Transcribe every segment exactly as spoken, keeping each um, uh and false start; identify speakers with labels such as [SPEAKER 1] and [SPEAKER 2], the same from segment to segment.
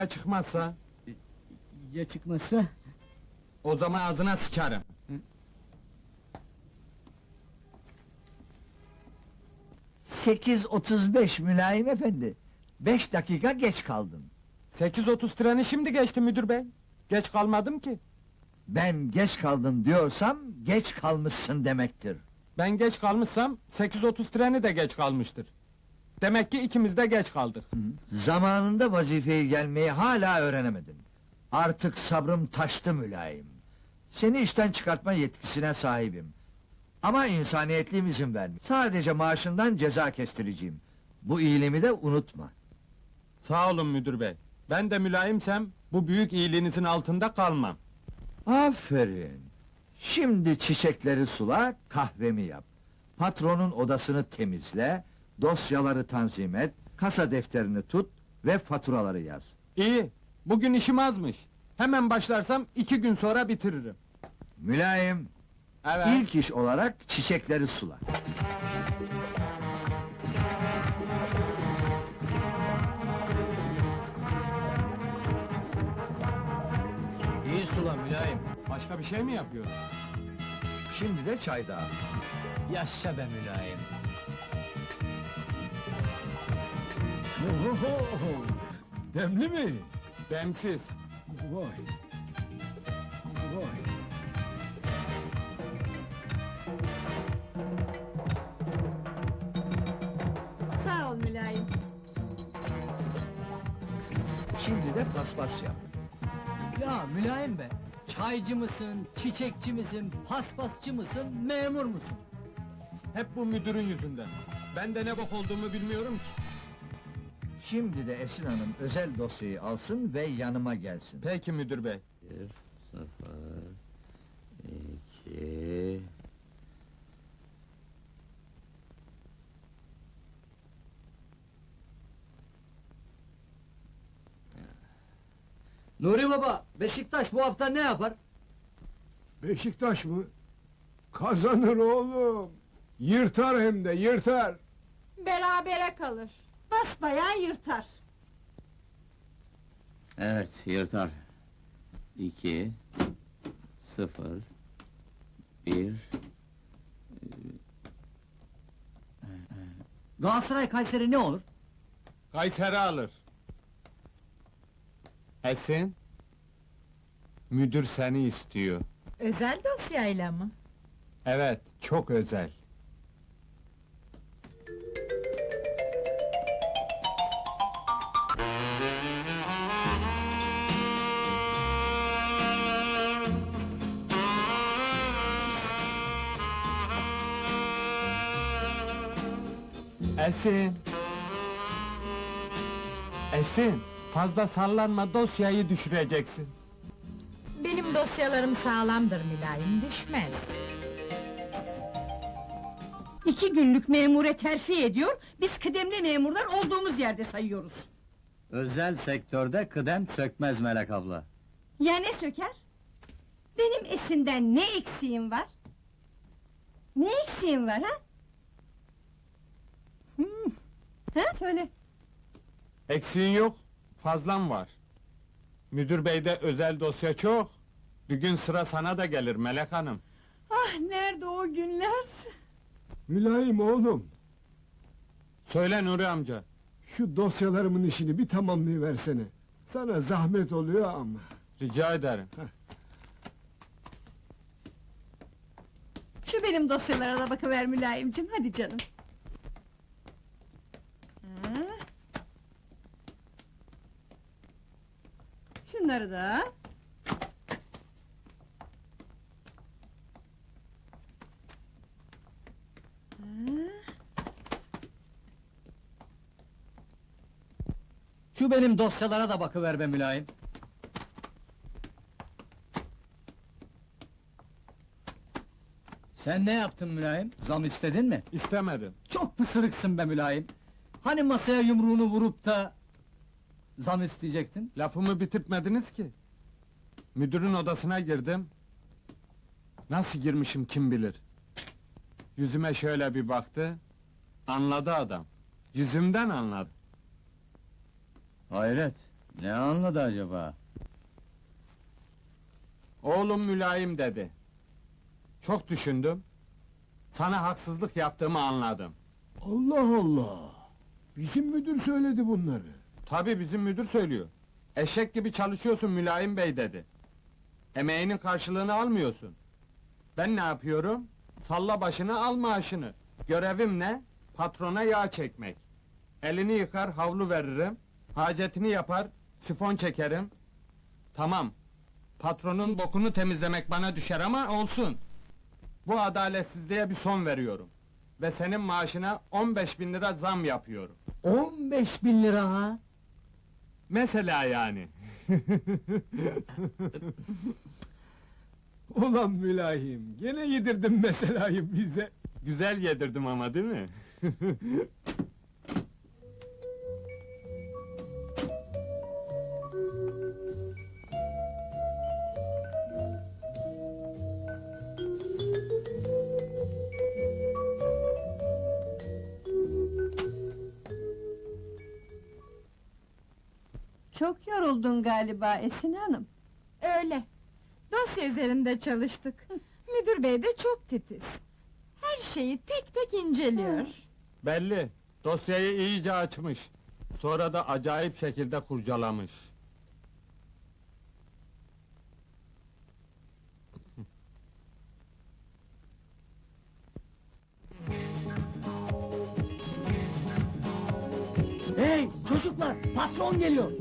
[SPEAKER 1] Ya çıkmazsa?
[SPEAKER 2] Ya çıkmazsa?
[SPEAKER 1] O zaman ağzına sıçarım.
[SPEAKER 2] Sekiz otuz beş mülayim efendi. Beş dakika geç kaldın.
[SPEAKER 1] sekiz otuz treni şimdi geçti müdür bey. Geç kalmadım ki.
[SPEAKER 2] Ben geç kaldın diyorsam, geç kalmışsın demektir.
[SPEAKER 1] Ben geç kalmışsam, sekiz otuz treni de geç kalmıştır. Demek ki ikimiz de geç kaldık.
[SPEAKER 2] Zamanında vazifeyi gelmeyi hala öğrenemedin. Artık sabrım taştı mülayim. Seni işten çıkartma yetkisine sahibim. Ama insaniyetliğim izin vermiyor. Sadece maaşından ceza kestireceğim. Bu iyiliğimi de unutma.
[SPEAKER 1] Sağ olun müdür bey. Ben de mülayimsem, bu büyük iyiliğinizin altında kalmam.
[SPEAKER 2] Aferin. Şimdi çiçekleri sula, kahvemi yap. Patronun odasını temizle, dosyaları tanzim et, kasa defterini tut ve faturaları yaz.
[SPEAKER 1] İyi, bugün işim azmış. Hemen başlarsam iki gün sonra bitiririm.
[SPEAKER 2] Mülayim,
[SPEAKER 1] Evet.
[SPEAKER 2] ilk iş olarak çiçekleri sula.
[SPEAKER 3] İyi sula mülayim.
[SPEAKER 1] Başka bir şey mi yapıyorum?
[SPEAKER 2] Şimdi de çay dağıt.
[SPEAKER 3] Yaşa be mülayim.
[SPEAKER 2] Demli mi?
[SPEAKER 1] Demsiz.
[SPEAKER 2] Vay! Vay!
[SPEAKER 4] Sağ ol mülayim.
[SPEAKER 2] Şimdi de paspas yap.
[SPEAKER 3] Ya mülayim be. Çaycı mısın, çiçekçi misin, paspasçı mısın, memur musun?
[SPEAKER 1] Hep bu müdürün yüzünden. Ben de ne bok olduğumu bilmiyorum ki.
[SPEAKER 2] Şimdi de Esin Hanım özel dosyayı alsın ve yanıma gelsin.
[SPEAKER 1] Peki müdür bey.
[SPEAKER 5] Bir, sıfır, iki...
[SPEAKER 3] Nuri baba, Beşiktaş bu hafta ne yapar?
[SPEAKER 6] Beşiktaş mı? Kazanır oğlum. Yırtar hem de yırtar.
[SPEAKER 4] Berabere kalır. Basbayağı yırtar.
[SPEAKER 5] Evet, yırtar. İki... Sıfır... Bir...
[SPEAKER 3] Galatasaray Kayseri ne olur?
[SPEAKER 1] Kayseri alır. Esin? Müdür seni istiyor.
[SPEAKER 4] Özel dosyayla mı?
[SPEAKER 1] Evet, çok özel. Esin! Esin! Fazla sallanma, dosyayı düşüreceksin.
[SPEAKER 4] Benim dosyalarım sağlamdır mülayim, düşmez.
[SPEAKER 7] İki günlük memure terfi ediyor, biz kıdemli memurlar olduğumuz yerde sayıyoruz.
[SPEAKER 5] Özel sektörde kıdem sökmez Melek abla.
[SPEAKER 7] Ya ne söker? Benim Esin'den ne eksiğim var? Ne eksiğim var ha? Hmm. Ha, söyle.
[SPEAKER 1] Eksiğin yok, fazlan var. Müdür beyde özel dosya çok. Bir gün sıra sana da gelir Melek Hanım.
[SPEAKER 7] Ah, nerede o günler?
[SPEAKER 6] Mülayim oğlum.
[SPEAKER 1] Söyle Nuri amca.
[SPEAKER 6] Şu dosyalarımın işini bir tamamlayıversene. Sana zahmet oluyor ama.
[SPEAKER 1] Rica ederim.
[SPEAKER 7] Şu benim dosyalara da bakıver mülayimcim, hadi canım. Ha. Şunları da al.
[SPEAKER 3] Şu benim dosyalara da bakıver be mülayim. Sen ne yaptın mülayim? Zam istedin mi?
[SPEAKER 1] İstemedim.
[SPEAKER 3] Çok pısırıksın be mülayim. Hani masaya yumruğunu vurup da... ...zam isteyecektin?
[SPEAKER 1] Lafımı bitirtmediniz ki. Müdürün odasına girdim. Nasıl girmişim kim bilir. Yüzüme şöyle bir baktı. Anladı adam. Yüzümden anladı.
[SPEAKER 3] Hayret!
[SPEAKER 5] Ne anladı acaba?
[SPEAKER 1] Oğlum mülayim dedi. Çok düşündüm. Sana haksızlık yaptığımı anladım.
[SPEAKER 6] Allah Allah! Bizim müdür söyledi bunları.
[SPEAKER 1] Tabii bizim müdür söylüyor. Eşek gibi çalışıyorsun mülayim bey dedi. Emeğinin karşılığını almıyorsun. Ben ne yapıyorum? Salla başını al maaşını. Görevim ne? Patrona yağ çekmek. Elini yıkar havlu veririm. Hacetini yapar sifon çekerim. Tamam. Patronun bokunu temizlemek bana düşer ama olsun. Bu adaletsizliğe bir son veriyorum. Ve senin maaşına on beş bin lira zam yapıyorum.
[SPEAKER 3] on beş bin lira ha!
[SPEAKER 1] Mesela yani.
[SPEAKER 6] Ulan mülahim, gene yedirdin meselayı bize.
[SPEAKER 1] Güzel yedirdim ama değil mi?
[SPEAKER 7] Çok yoruldun galiba Esin Hanım.
[SPEAKER 4] Öyle. Dosya üzerinde çalıştık. Müdür bey de çok titiz. Her şeyi tek tek inceliyor.
[SPEAKER 1] Belli. Dosyayı iyice açmış. Sonra da acayip şekilde kurcalamış.
[SPEAKER 3] Hey çocuklar, patron geliyor!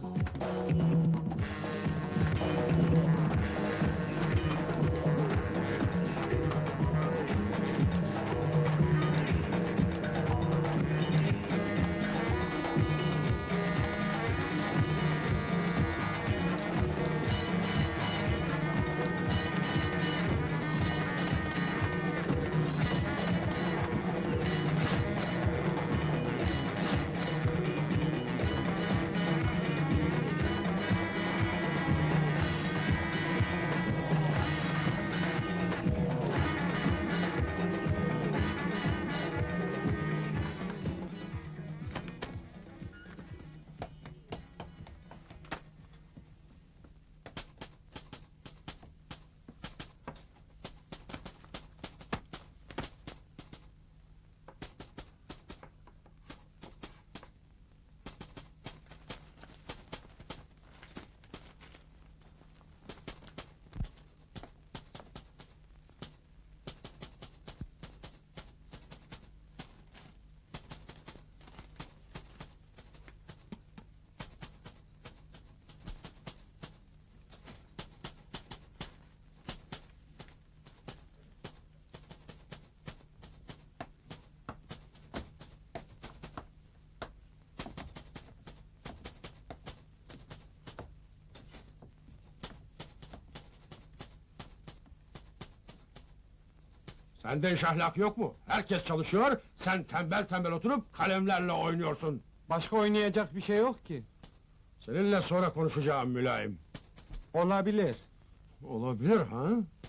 [SPEAKER 8] Sende iş ahlak yok mu? Herkes çalışıyor, sen tembel tembel oturup kalemlerle oynuyorsun.
[SPEAKER 1] Başka oynayacak bir şey yok ki.
[SPEAKER 8] Seninle sonra konuşacağım mülayim.
[SPEAKER 1] Olabilir.
[SPEAKER 8] Olabilir ha?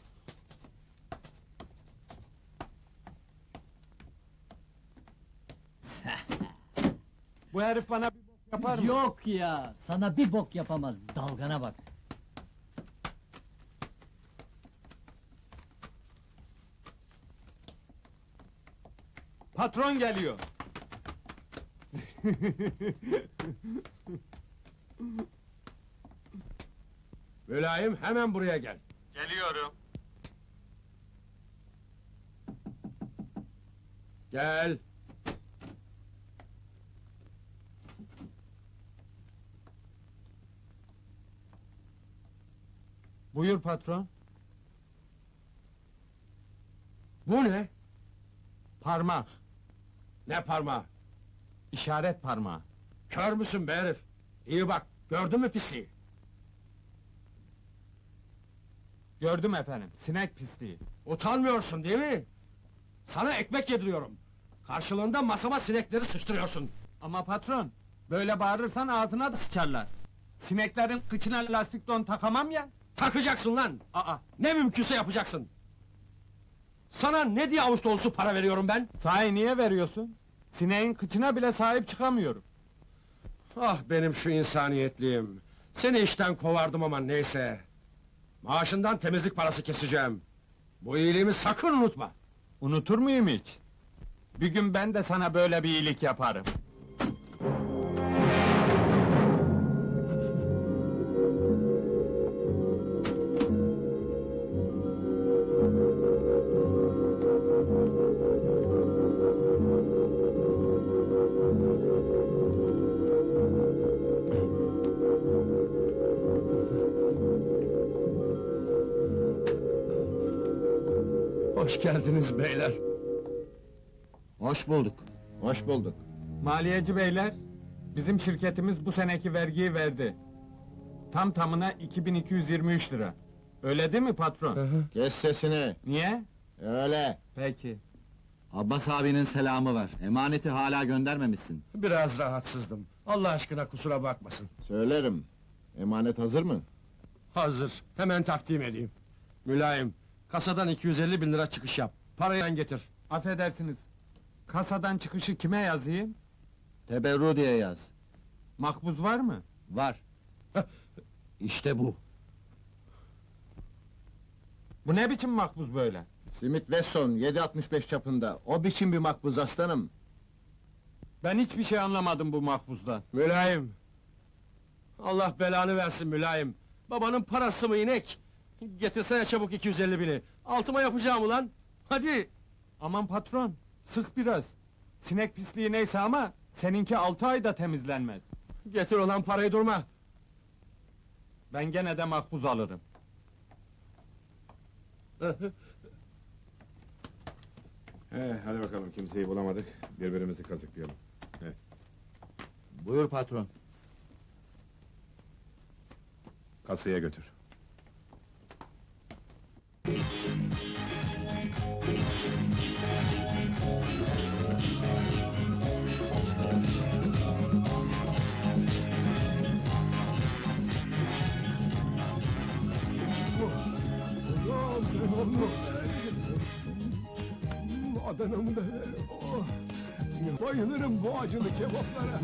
[SPEAKER 1] Bu herif bana bir bok yapar mı?
[SPEAKER 3] Yok ya, sana bir bok yapamaz, dalgana bak!
[SPEAKER 1] Patron geliyor.
[SPEAKER 8] Mülayim hemen buraya gel.
[SPEAKER 1] Geliyorum.
[SPEAKER 8] Gel.
[SPEAKER 1] Buyur patron.
[SPEAKER 8] Bu ne?
[SPEAKER 1] Parmak.
[SPEAKER 8] Ne parmağı?
[SPEAKER 1] İşaret parmağı.
[SPEAKER 8] Kör müsün be herif? İyi bak, gördün mü pisliği?
[SPEAKER 1] Gördüm efendim. Sinek pisliği.
[SPEAKER 8] Utanmıyorsun değil mi? Sana ekmek yediriyorum. Karşılığında masama sinekleri sıçtırıyorsun.
[SPEAKER 1] Ama patron, böyle bağırırsan ağzına da sıçarlar. Sineklerin kıçına lastik don takamam ya.
[SPEAKER 8] Takacaksın lan!
[SPEAKER 1] Aa,
[SPEAKER 8] Ne mümkünse yapacaksın! Sana ne diye avuç dolusu para veriyorum ben?
[SPEAKER 1] sahi niye veriyorsun? Sineğin kıçına bile sahip çıkamıyorum.
[SPEAKER 8] Ah benim şu insaniyetliğim! Seni işten kovardım ama neyse! Maaşından temizlik parası keseceğim! Bu iyiliğimi sakın unutma!
[SPEAKER 1] Unutur muyum hiç? Bir gün ben de sana böyle bir iyilik yaparım.
[SPEAKER 8] Hoş geldiniz beyler!
[SPEAKER 2] Hoş bulduk.
[SPEAKER 1] Hoş bulduk. Maliyeci beyler, bizim şirketimiz bu seneki vergiyi verdi. Tam tamına iki bin iki yüz yirmi üç lira. Öyle değil mi patron?
[SPEAKER 9] Kes sesini,
[SPEAKER 1] Niye?
[SPEAKER 9] öyle!
[SPEAKER 1] Peki.
[SPEAKER 9] Abbas abinin selamı var, emaneti hala göndermemişsin.
[SPEAKER 8] Biraz rahatsızdım. Allah aşkına kusura bakmasın.
[SPEAKER 9] Söylerim, emanet hazır mı?
[SPEAKER 8] Hazır, hemen takdim edeyim. Mülayim, kasadan iki yüz elli bin lira çıkış yap. Parayı sen getir.
[SPEAKER 1] Affedersiniz. Kasadan çıkışı kime yazayım?
[SPEAKER 9] Teberru diye yaz.
[SPEAKER 1] Makbuz var mı?
[SPEAKER 9] Var. İşte bu.
[SPEAKER 1] Bu ne biçim makbuz böyle?
[SPEAKER 9] Smith Wesson yedi altmış beş çapında, o biçim bir makbuz aslanım.
[SPEAKER 1] Ben hiçbir şey anlamadım bu makbuzdan.
[SPEAKER 8] Mülayim! Allah belanı versin mülayim! Babanın parası mı inek? Getirsene çabuk iki yüz elli bini! Altıma yapacağım ulan! Hadi!
[SPEAKER 1] Aman patron, sık biraz. Sinek pisliği neyse ama seninki altı ayda temizlenmez.
[SPEAKER 8] Getir olan parayı durma!
[SPEAKER 1] Ben gene de makbuz alırım.
[SPEAKER 10] He, hadi bakalım kimseyi bulamadık. Birbirimizi kazıklayalım.
[SPEAKER 9] Buyur patron.
[SPEAKER 10] Kasaya götür.
[SPEAKER 6] Adana'mı da... Oh! Bayılırım bu acılı kebaplara!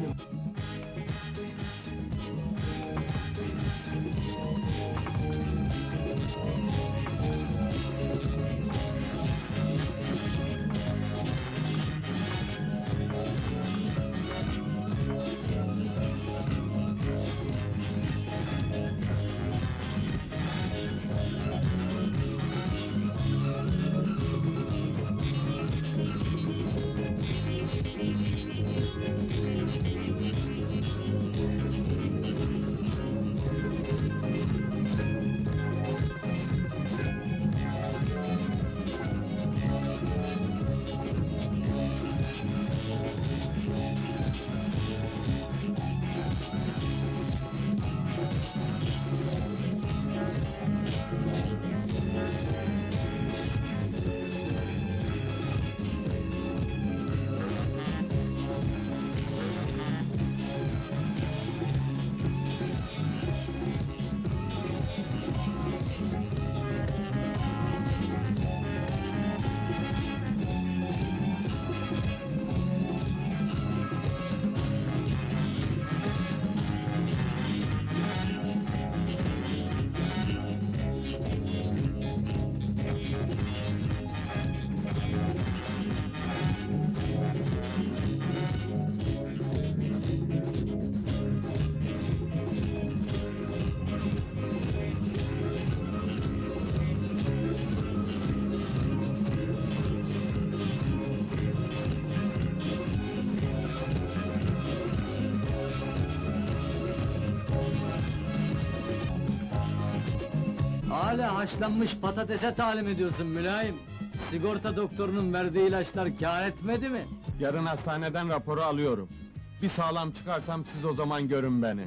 [SPEAKER 3] Hala haşlanmış patatese talim ediyorsun mülayim. Sigorta doktorunun verdiği ilaçlar kâr etmedi mi?
[SPEAKER 1] Yarın hastaneden raporu alıyorum. Bir sağlam çıkarsam siz o zaman görün beni.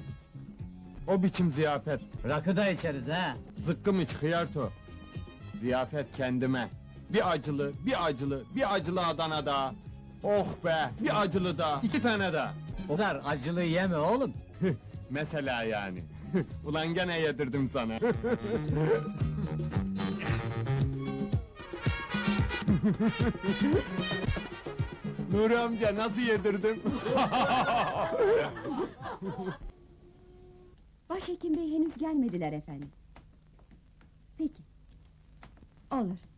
[SPEAKER 1] O biçim ziyafet.
[SPEAKER 3] Rakı da içeriz ha.
[SPEAKER 1] Zıkkım iç hıyarto. Ziyafet kendime. Bir acılı, bir acılı, bir acılı Adana daha. Oh be, bir acılı daha, iki tane daha.
[SPEAKER 3] O kadar acılı yeme oğlum.
[SPEAKER 1] Mesela yani. Ulan gene yedirdim sana. Nuri amca nasıl yedirdim?
[SPEAKER 7] Başhekim bey henüz gelmediler efendim. Peki. Olur.